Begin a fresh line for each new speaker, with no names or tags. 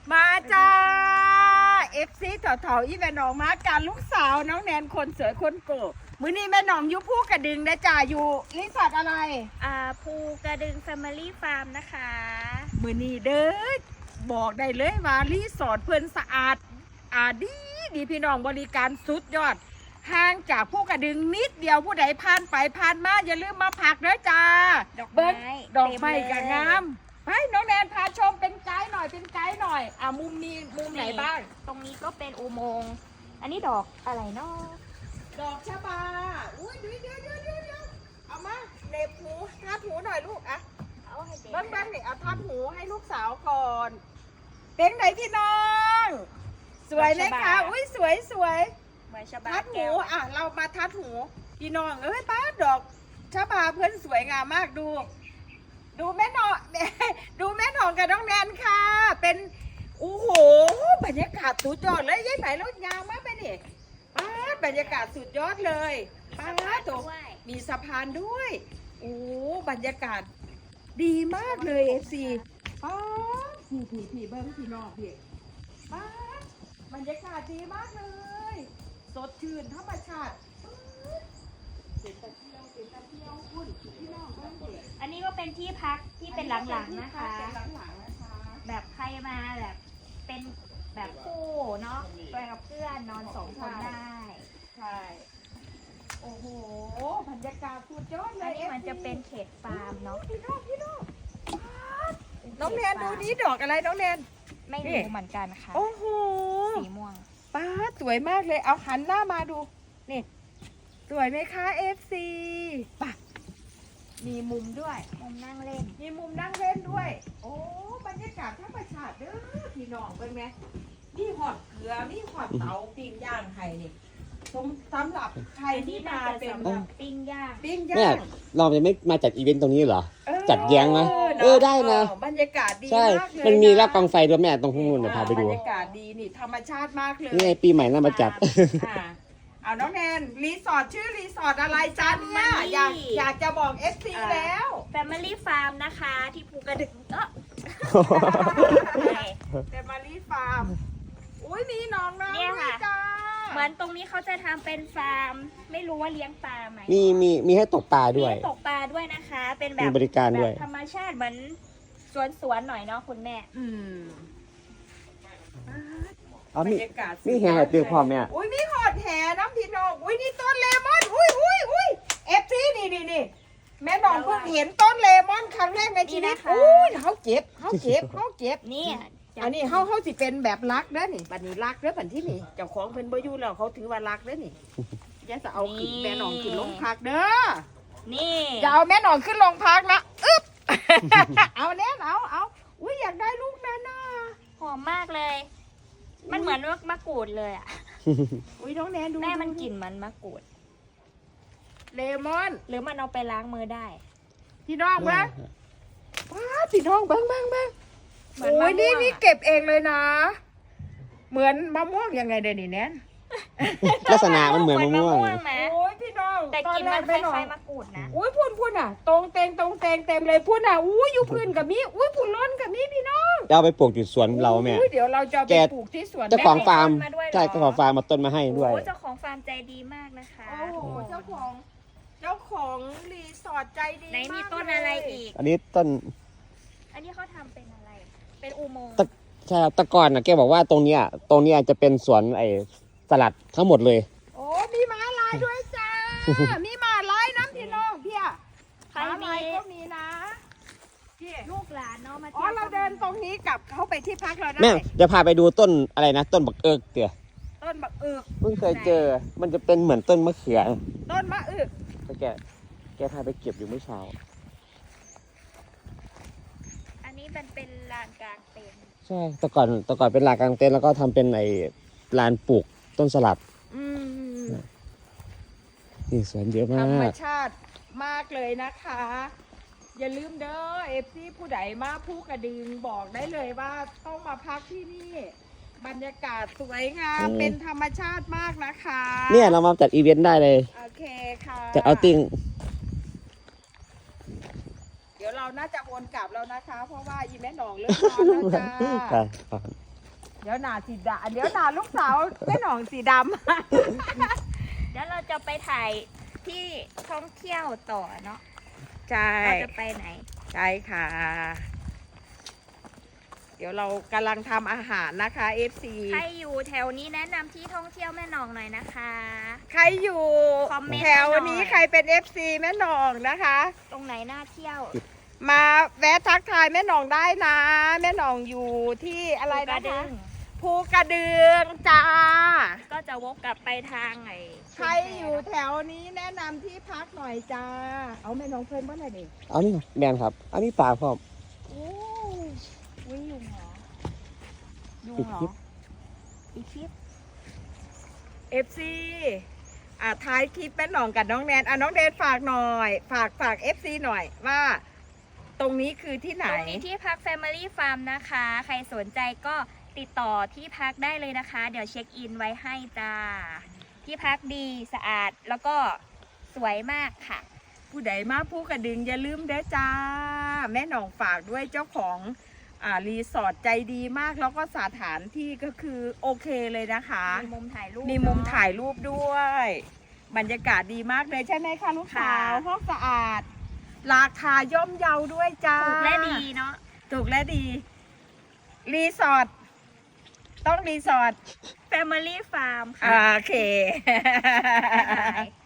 มาจ้าเอฟซีเถาๆอีแม่น้องมาการลูกสาวน้องแนนคนสวยคนโกะมื้อนี้แม่น้องอยู่ภูกระดึงนะจ้าอยู่รีสอร์ทอะไร
ภูกระดึง Family Farm นะคะ
มื้อนี้เด้อบอกได้เลยว่ารีสอร์ทเพิ่นสะอาดดีพี่น้องบริการสุดยอดห่างจากภูกระดึงนิดเดียวผู้ใดผ่านไปผ่านมาอย่าลืมมาพักเด้อจ้าดอกไม้ก็งามไปน้องแนนพาชมเป็นไกด์หน่อยมุมนี้มุมไหนบ้าง
ตรงนี้ก็เป็นอุโมงค์อันนี้ดอกอะไรเนาะ
ดอกชะบาอุ้ยเดี๋ยวเอามาเล็บหูทัดหูหน่อยลูกอะ
เอาให้เด็ก
บ้างเนี่ยเอาทัดหูให้ลูกสาวก่อนเป็นไหนพี่น้องสวยเลยค่ะอุ้ยสวย
เหมือนชะบา
ทัดหูอ่ะเรามาทัดหูพี่น้องป้าดอกชะบาเพื่อนสวยงามมากดูแม่หนองดูแม่หนองกับน้องแนนค่ะเป็นโอ้โหบรรยากาศสุดยอดเลยยัยไหนรถยางมากไปนี่ป้าบรรยากาศสุดยอดเลยป้าโตมีสะพานด้วยโอ้บรรยากาศดีมากเลยเอฟซีป้าพี่เบิ้งพี่น้องพี่ป้าบรรยากาศดีมากเลยสดชื่นธรรมชาติเป็นตะเที่ยวคุณพี่น้องบ้านเด็ก
อันนี้ก็เป็นที่พักที่เป็นหลังๆนะคะแบบใครมาแบบเป็นแบบคู่เนาะไปกับเพื่อนนอน2 คนได้
ใช่โอ้โหบรรยากาศสุดยอดเล
อัน
ย
นี้มันจะเป็นเขตฟาร์มเนาะ
พี่น้องน้องแนนดูนี้ดอกอะไรน้องแนน
ไม่รู้เหมือนกันค่ะ
โอ้โห
สีม่วง
ป้าสวยมากเลยเอาหันหน้ามาดูนี่สวยไหมคะเอฟซีป่ะมีมุมด้วย
มุมนั่งเล่น
มีมุมนั่งเล่นด้วยโอ้บรรยากาศธรรมชาติเด้อพี่น้องเป็นไหมนี่หอดเกลือนี่หอดเตาปิ้งย่างไข่นี่สำหรับใครที่มาเป็นแบบ
ปิ้งย่าง
แม่เราจะไม่มาจัดอีเวนต์ตรงนี้เหรอจัดแย้งนะได้นะ
บรรยากาศดี
ใช่
มากเลย
มันมีรอบกองไฟด้วยแม่ตรงข้างบนพาไปดู
บรรยากาศดีนี่ธรรมชาติมากเลย
นี่ปีใหม่น่ามาจัด
เอาน้องแนนรีสอร์ทชื่อรีสอร์ทอะไรจ๊ะเนี่ยอยากจะบอกเอฟซีแล้ว
Family Farm นะคะที่ภูกระดึง
Family Farm อุ้ยมีน้องๆด้วยจ้า
เหมือนตรงนี้เขาจะทำเป็นฟาร์มไม่รู้ว่าเลี้ยงปลาไหม
มีให้ตกปลาด้วย
ตกปลาด้วยนะคะเป็นแบบ
มีบริการด้วย
ธรรมชาติเหมือนสวนหน่อยเนาะคุณแม่
บรรยากาศ
นี่แห่เตือพ่อแม่
อุ้ยนี่หอดแห่น้ำพี่น้องอุ้ยนี่ต้นเลมอนอุ้ยเอฟซีนี่แม่น้องเพิ่งเห็นต้นเลมอนครั้งแรกในชีวิตอุ้ยเขาเจ็บ
นี่
อันนี้เขาสิเป็นแบบรักเด้อนี่บัดนี้รักเด้อบัดที่นี่เจ้าของเป็นบ่อยู่แล้วเขาถือว่ารักเด้อนี่อย่าจะเอาขึ้นแม่น้องขึ้นลงพักเด้อ
นี่
อย่าเอาแม่น้องขึ้นลงพักนะอึ๊บเอาแน่เอาอุ้ยอยากได้ลูกนั้นน่ะ
หอมมากเลยมันเหมือนมะกรูดเลยอ่ะ
อุ้ยน้องแนนดู
แม่มันกลิ่นมันมะกรูด
เลมอน
หรือมันเอาไปล้างมือได้
พี่น้องบ้างพี่น้องบ้างโอ้ยนี่เก็บเองเลยนะเหมือนมะม่วงยังไงเดี๋ยวนี้แนน
ลักษณะมันเหมือนมะม่วง
โอ้ยพี่น้อง
แต่กลิ่นมันคล้ายๆมะกรูดนะ
อุ้ยพูนอ่ะตรงเตงเต็มเลยพูนอ่ะอุ้ยอยู่พื้นกับมีอุ้ยพูนล้นกับมีพี่น้อง
จะเอาไปปลูกที่สวนเราแม่
เดี๋ยวเราจะไปปลูกที่สวน
เจ้าของฟาร์มใช่เจ้าของฟาร์มมาต้นมาให้ด้วย
เจ้าของฟาร์มใจดีมากนะคะ
โอ้โหเจ้าของรีสอร์ทใจดี
ไหนมีต้นอะไรอีก
อันนี้ต้น
อันนี้เขาทำเป็นอะไรเป็นอุโมงค์
ใช่ตะกอนนะแกบอกว่าตรงเนี้ยจะเป็นสวนสลัดทั้งหมดเลย
โอ้มีม้าลายด้วยจ้ามีม้าลายน้ำพี่น้องพี่อะม้าลายก็มีนะพี่
ลูกหลานเนาะมา
เราเดินตรงนี้กลับเข้าไปที่พักเราได้
แม่จะพาไปดูต้นอะไรนะต้นบักเอิกเตี๋ย
ต้นบักเอิก
เพิ่งเคยเจอมันจะเป็นเหมือนต้นมะเขือ
ต้นมะเอิก
แกพาไปเก็บอยู่เมื่อเช้า
อันนี้มันเป็นลานกลางเต็นท์
ใช่แต่ก่อนเป็นลานกลางเต็นท์แล้วก็ทำเป็นลานปลูกต้นสลัดนี่สวนเยอะมาก
ธรรมชาติมากเลยนะคะอย่าลืมเด้อเอฟซีผู้ใดมาภูกระดึงบอกได้เลยว่าต้องมาพักที่นี่บรรยากาศสวยงามเป็นธรรมชาติมากนะคะ
เนี่ยเรามาจัดอีเวนต์ได้เลย
โอเคค่ะ
จัดเอาติ้ง
เดี๋ยวเราน่าจะวนกลับแล้วนะคะเพราะว่าอีแม่หนองเลิกนอนแล้วจ้าเดี๋ยวหนาสีดำเดี๋ยวหนาลูกสาวแม่หนองสีดำ
เดี๋ยวเราจะไปถ่ายที่ท่องเที่ยวต่อเนาะ
ใช่
เราจะไปไหน
ใช่ค่ะ เดี๋ยวเรากำลังทำอาหารนะคะ FC
ใครอยู่แถวนี้แนะนำที่ท่องเที่ยวแม่หนองหน่อยนะคะ
ใครอยู่
คอมเมนต์
แถวนี้
หน่อย
ใครเป็น FC แม่หนองนะคะ
ตรงไหนน่าเที่ยว
มาแวะทักทายแม่หนองได้นะ แม่หนองอยู่ที่อะไร
กระ
นะ
ดึ
คะ
ง
ภูกระดึงจ้า
ก็จะวกกลับไปทางไอ้
ใครอยู่แถวนี้แนะนำที่พักหน่อยจ้า เอาแม่หนองเพิ่นบ้านไหนดิ
เอานี่แมนครับอันนี้ปลาพร้อม
โอ้
อุ้ยยุงเหรอ
ยุง
ปิด
เหร
คลิ
อ
ป
อีคลิป
FC ท้ายคลิปแม่หนองกับน้องแนนน้องแนนฝากหน่อย ฝาก FC หน่อยว่า ตรงนี้คือที่ไหน
ตรงนี้ที่พัก Family Farm นะคะ ใครสนใจก็ติดต่อที่พักได้เลยนะคะ เดี๋ยวเช็คอินไว้ให้จ้า ที่พักดีสะอาดแล้วก็สวยมากค่ะ
ผู้ใดมาผู้กระดึงอย่าลืมเด้อจ้า แม่หนองฝากด้วยเจ้าของรีสอร์ทใจดีมากแล้วก็สถานที่ก็คือโอเคเลยนะคะ
มีมุมถ่ายรูป
มีมุม
เนอะ
ถ่ายรูปด้วย บรรยากาศดีมากเลยใช่ไหมคะลูกสาว
ค่ะ
ห้องสะอาด ราคาย่อมเยาด้วยจ้า
ถูกและดีเนาะ
ถูกและดี รีสอร์ทต้องรีสอร์ท
Family Farm ค่ะ
โอเค
บ๊ายบาย